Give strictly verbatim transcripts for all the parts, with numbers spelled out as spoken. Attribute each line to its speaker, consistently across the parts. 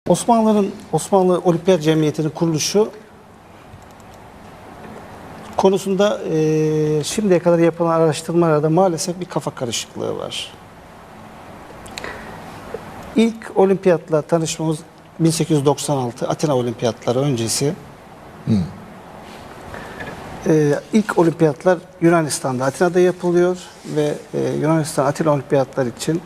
Speaker 1: Osmanlı'nın Osmanlı Olimpiyat Cemiyeti'nin kuruluşu konusunda e, şimdiye kadar yapılan araştırmalarda maalesef bir kafa karışıklığı var. İlk olimpiyatla tanışmamız bin sekiz yüz doksan altı Atina Olimpiyatları öncesi. Hmm. Ee, ilk olimpiyatlar Yunanistan'da, Atina'da yapılıyor ve e, Yunanistan Atina Olimpiyatları için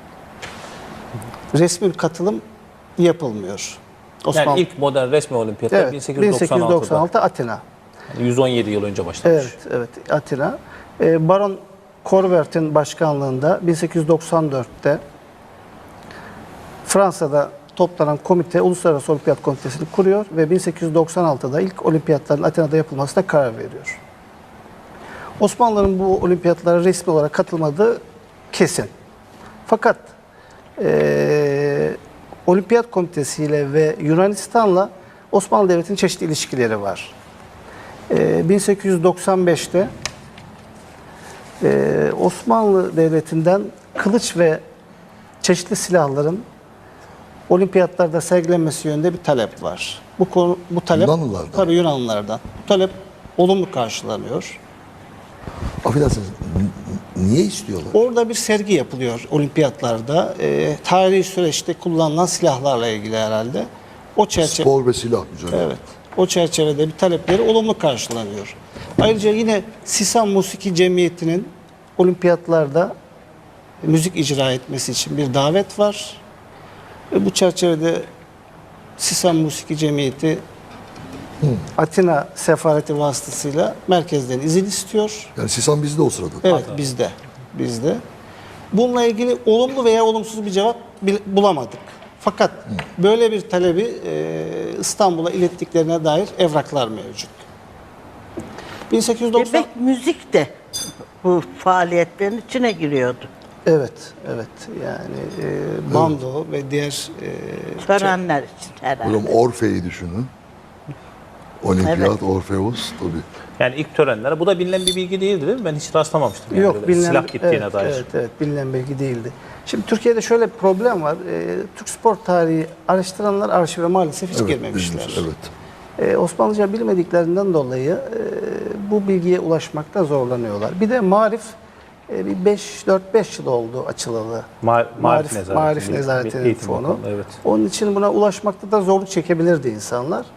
Speaker 1: resmi katılım yapılmıyor.
Speaker 2: Osmanlı... Yani ilk modern resmi olimpiyatlar
Speaker 1: evet,
Speaker 2: bin sekiz yüz doksan altıda.
Speaker 1: bin sekiz yüz doksan altı Atina.
Speaker 2: Yani yüz on yedi yıl önce başlamış.
Speaker 1: Evet, evet Atina. Ee, Baron Corbert'in başkanlığında bin sekiz yüz doksan dörtte Fransa'da toplanan komite Uluslararası Olimpiyat Komitesi'ni kuruyor ve bin sekiz yüz doksan altıda ilk olimpiyatların Atina'da yapılmasına karar veriyor. Osmanlı'nın bu olimpiyatlara resmi olarak katılmadığı kesin. Fakat e, Olimpiyat Komitesi ile ve Yunanistan'la Osmanlı Devleti'nin çeşitli ilişkileri var. E, bin sekiz yüz doksan beşte e, Osmanlı Devleti'nden kılıç ve çeşitli silahların olimpiyatlarda sergilenmesi yönünde bir talep var. Bu konu, bu talep
Speaker 3: Yunanlılardan.
Speaker 1: Tabii Yunanlılardan. Bu talep olumlu karşılanıyor.
Speaker 3: Affedersiniz, niye istiyorlar?
Speaker 1: Orada bir sergi yapılıyor olimpiyatlarda. E, tarihi süreçte kullanılan silahlarla ilgili herhalde. O çerçeve
Speaker 3: Spor ve silah üzerine.
Speaker 1: Evet. O çerçevede bir talepleri olumlu karşılanıyor. Ayrıca yine Sisan Musiki Cemiyeti'nin olimpiyatlarda müzik icra etmesi için bir davet var. Ve bu çerçevede Sisan Musiki Cemiyeti Hı. Atina sefareti vasıtasıyla merkezden izin istiyor.
Speaker 3: Yani Sisan bizde o sırada.
Speaker 1: Evet, bizde. Bizde. Bununla ilgili olumlu veya olumsuz bir cevap bulamadık. Fakat Hı. böyle bir talebi İstanbul'a ilettiklerine dair evraklar mevcut. bin sekiz yüz doksan
Speaker 4: Demek müzik de bu faaliyetlerin içine giriyordu.
Speaker 1: Evet, evet. Yani e, bando evet. ve diğer e,
Speaker 4: törenler için herhalde.
Speaker 3: Hocam Orfe'yi düşünün. Olimpiyat, evet. Orfeus tabii.
Speaker 2: Yani ilk törenlere, bu da bilinen bir bilgi değildi değil mi? Ben hiç rastlamamıştım. Yani
Speaker 1: Yok, bilinen,
Speaker 2: silah gittiğine
Speaker 1: evet,
Speaker 2: dair.
Speaker 1: Evet, evet, bilinen bilgi değildi. Şimdi Türkiye'de şöyle bir problem var. E, Türk spor tarihi araştıranlar arşive maalesef hiç
Speaker 3: evet,
Speaker 1: girmemişler.
Speaker 3: Bilmiş, evet.
Speaker 1: E, Osmanlıca bilmediklerinden dolayı e, bu bilgiye ulaşmakta zorlanıyorlar. Bir de Marif e, bir beş dört beş yıl oldu açılalı.
Speaker 2: Ma Marif
Speaker 1: Nezareti. Marif Nezareti'nin fonu. Bakalım, evet. Onun için buna ulaşmakta da zorluk çekebilirdi insanlar.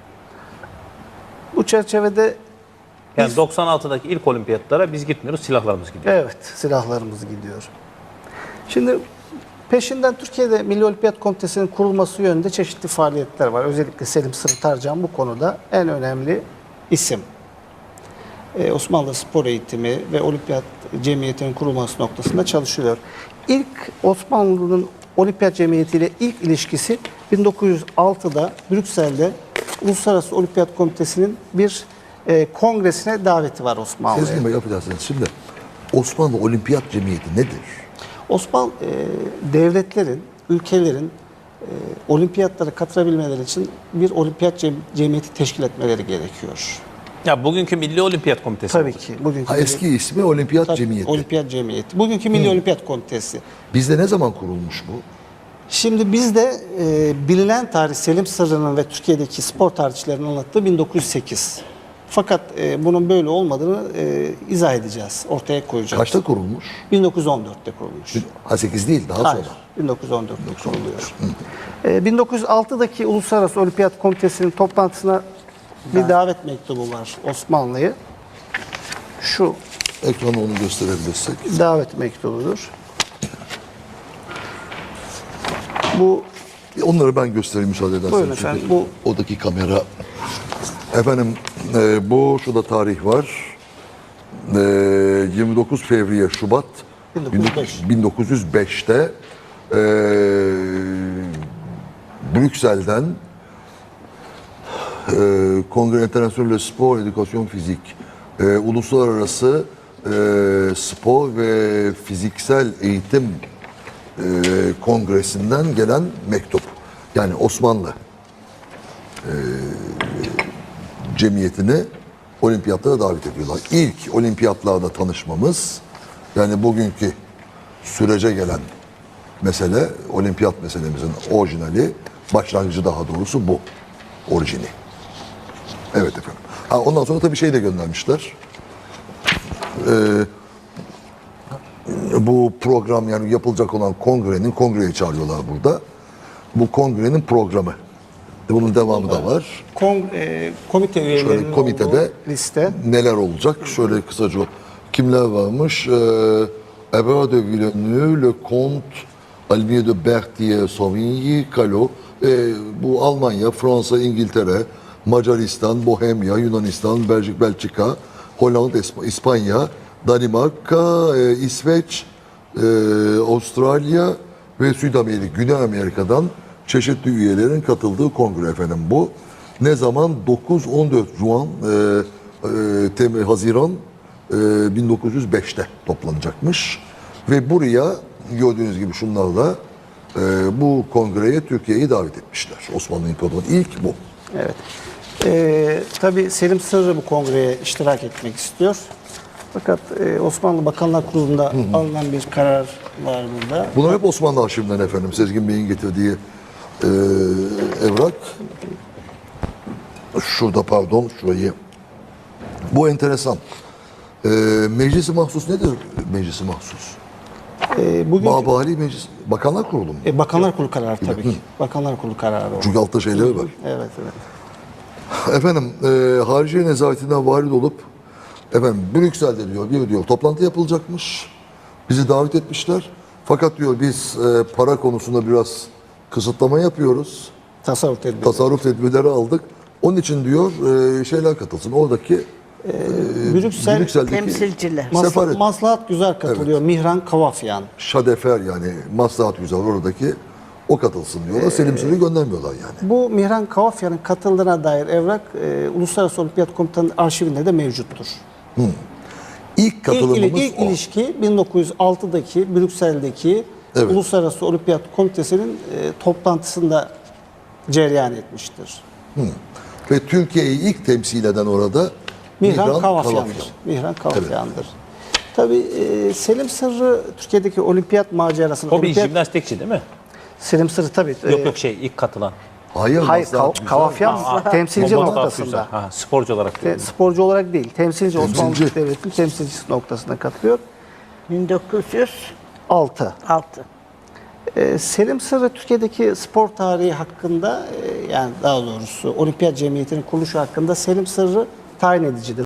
Speaker 1: Bu çerçevede
Speaker 2: yani
Speaker 1: biz,
Speaker 2: doksan altıdaki ilk olimpiyatlara biz gitmiyoruz, silahlarımız gidiyor.
Speaker 1: Evet, silahlarımız gidiyor. Şimdi peşinden Türkiye'de Milli Olimpiyat Komitesi'nin kurulması yönünde çeşitli faaliyetler var. Özellikle Selim Sırıtarcan bu konuda en önemli isim. Ee, Osmanlı spor eğitimi ve Olimpiyat Cemiyeti'nin kurulması noktasında çalışılıyor. İlk Osmanlı'nın Olimpiyat Cemiyeti ile ilk ilişkisi bin dokuz yüz altıda Brüksel'de Uluslararası Olimpiyat Komitesi'nin bir e, kongresine daveti var Osmanlı'ya.
Speaker 3: Sezgin Bey, affedersiniz. Şimdi Osmanlı Olimpiyat Cemiyeti nedir?
Speaker 1: Osmanlı e, devletlerin, ülkelerin e, olimpiyatlara katılabilmeleri için bir olimpiyat cem cemiyeti teşkil etmeleri gerekiyor.
Speaker 2: Ya bugünkü Milli Olimpiyat Komitesi.
Speaker 1: Tabii ki. Bugünkü
Speaker 3: ha, eski Milli... ismi Olimpiyat
Speaker 1: Tabii,
Speaker 3: Cemiyeti.
Speaker 1: Olimpiyat Cemiyeti. Bugünkü Milli hmm. Olimpiyat Komitesi.
Speaker 3: Bizde ne zaman kurulmuş bu?
Speaker 1: Şimdi bizde e, bilinen tarih Selim Sırrı'nın ve Türkiye'deki spor tarihçilerinin anlattığı bin dokuz yüz sekiz. Fakat e, bunun böyle olmadığını e, izah edeceğiz, ortaya koyacağız.
Speaker 3: Kaçta kurulmuş?
Speaker 1: bin dokuz yüz on dörtte kurulmuş.
Speaker 3: Ha sekiz değil, daha
Speaker 1: Hayır,
Speaker 3: sonra.
Speaker 1: bin dokuz yüz on dörtte kuruluyor. E, bin dokuz yüz altıdaki Uluslararası Olimpiyat Komitesi'nin toplantısına bir davet mektubu var Osmanlı'ya. Şu
Speaker 3: ekrana onu gösterebilirsek.
Speaker 1: Davet mektubudur. Bu
Speaker 3: onları ben göstereyim müsaade ederseniz.
Speaker 1: Buyurun efendim. Bu
Speaker 3: odaki kamera. Efendim e, bu şurada tarih var. E, yirmi dokuz Fevriye Şubat bin dokuz yüz beşte e, Brüksel'den e, Kongre International Spor Edukasyon Fizik e, Uluslararası e, Spor ve Fiziksel Eğitim e, Kongresi'nden gelen mektup. Yani Osmanlı e, cemiyetini olimpiyatlara davet ediyorlar. İlk olimpiyatlarda tanışmamız, yani bugünkü sürece gelen mesele, olimpiyat meselemizin orijinali Başlangıcı daha doğrusu bu. Orijini. Evet efendim. Ha, ondan sonra tabii şey de göndermişler. Ee, bu program yani yapılacak olan kongrenin, kongreye çağırıyorlar burada. Bu kongrenin programı. Bunun devamı da var.
Speaker 1: Kong, e, komite üyelerinin
Speaker 3: Şöyle komitede
Speaker 1: olduğu liste.
Speaker 3: neler olacak? Şöyle kısaca kimler varmış? Ee, Eberhard de Villeneuve, Le Comte, Almir de Berthier, Sauvigny, Callot. Ee, bu Almanya, Fransa, İngiltere, Macaristan, Bohemya, Yunanistan, Belçik, Belçika, Hollanda, İsp- İspanya, Danimarka, e, İsveç, e, Avustralya ve Südamerika, Güney Amerika'dan çeşitli üyelerin katıldığı kongre efendim bu. Ne zaman? dokuz on dört Juan, e, e, Tem- Haziran e, bin dokuz yüz beşte toplanacakmış. Ve buraya gördüğünüz gibi şunlarla e, bu kongreye Türkiye'yi davet etmişler. Osmanlı İmparatorluğu ilk bu.
Speaker 1: Evet. E, tabii Selim Sırrı bu kongreye iştirak etmek istiyor. Fakat e, Osmanlı Bakanlar Kurulu'nda alınan bir karar var burada.
Speaker 3: Bunlar hep Osmanlı arşivinden efendim. Sezgin Bey'in getirdiği e, evrak. Şurada pardon, şurayı. Bu enteresan. E, meclisi mahsus nedir meclisi mahsus?
Speaker 1: E, bugün
Speaker 3: Mabali Meclis, Bakanlar Kurulu mu?
Speaker 1: e, Bakanlar Kurulu kararı tabii ki. Bakanlar Kurulu kararı o.
Speaker 3: Çünkü altta şeyleri var.
Speaker 1: Evet, evet.
Speaker 3: Efendim, e, Hariciye Nezaretinden varid olup, efendim Brüksel'de diyor, bir diyor toplantı yapılacakmış. Bizi davet etmişler. Fakat diyor biz e, para konusunda biraz kısıtlama yapıyoruz.
Speaker 1: Tasarruf tedbiri.
Speaker 3: Tasarruf tedbirleri aldık. Onun için diyor e, şeyler katılsın. Oradaki
Speaker 1: Brüksel
Speaker 3: Brüksel'deki
Speaker 4: temsilciler.
Speaker 1: Mas-
Speaker 3: sefaret,
Speaker 1: Maslahat Güzel katılıyor. Mihran Kavafyan.
Speaker 3: Şadefer yani maslahat güzel oradaki o katılsın diyorlar. Selim Sırrı'yı göndermiyorlar yani.
Speaker 1: Bu Mihran Kavafyan'ın katıldığına dair evrak e, Uluslararası Olimpiyat Komutanı'nın arşivinde de mevcuttur.
Speaker 3: İlk
Speaker 1: İlk,
Speaker 3: katılımımız
Speaker 1: ili- ilk
Speaker 3: o.
Speaker 1: ilişki bin dokuz yüz altıdaki Brüksel'deki
Speaker 3: Evet.
Speaker 1: Uluslararası Olimpiyat Komitesi'nin e, toplantısında cereyan etmiştir.
Speaker 3: Ve Türkiye'yi ilk temsil eden orada
Speaker 1: Mihran,
Speaker 3: Mihran
Speaker 1: Kavafyan'dır.
Speaker 3: Kavafyan.
Speaker 1: Mihran Kavafyan'dır. Tabii e, Selim Sırrı Türkiye'deki olimpiyat macerasını...
Speaker 2: O bir
Speaker 1: olimpiyat-
Speaker 2: jimnastikçi değil mi?
Speaker 1: Selim Sırrı tabii. e,
Speaker 2: Yok yok şey ilk katılan.
Speaker 3: Hayır,
Speaker 1: Hayır,
Speaker 3: maslahat
Speaker 1: Kav-
Speaker 3: güzel.
Speaker 1: Kavafyan temsilci
Speaker 2: Maslahat
Speaker 1: noktasında.
Speaker 2: güzel. Ha, sporcu olarak.
Speaker 1: Te-
Speaker 2: diyorum.
Speaker 1: sporcu olarak değil, temsilci, Osmanlı
Speaker 3: Temsilci.
Speaker 1: Devleti'nin temsilcisi noktasına katılıyor.
Speaker 4: bin dokuz yüz
Speaker 1: altı.
Speaker 4: altı.
Speaker 1: Ee, Selim Sırrı Türkiye'deki spor tarihi hakkında, e, yani daha doğrusu Olimpiyat Cemiyeti'nin kuruluşu hakkında Selim Sırrı tayin edicidir.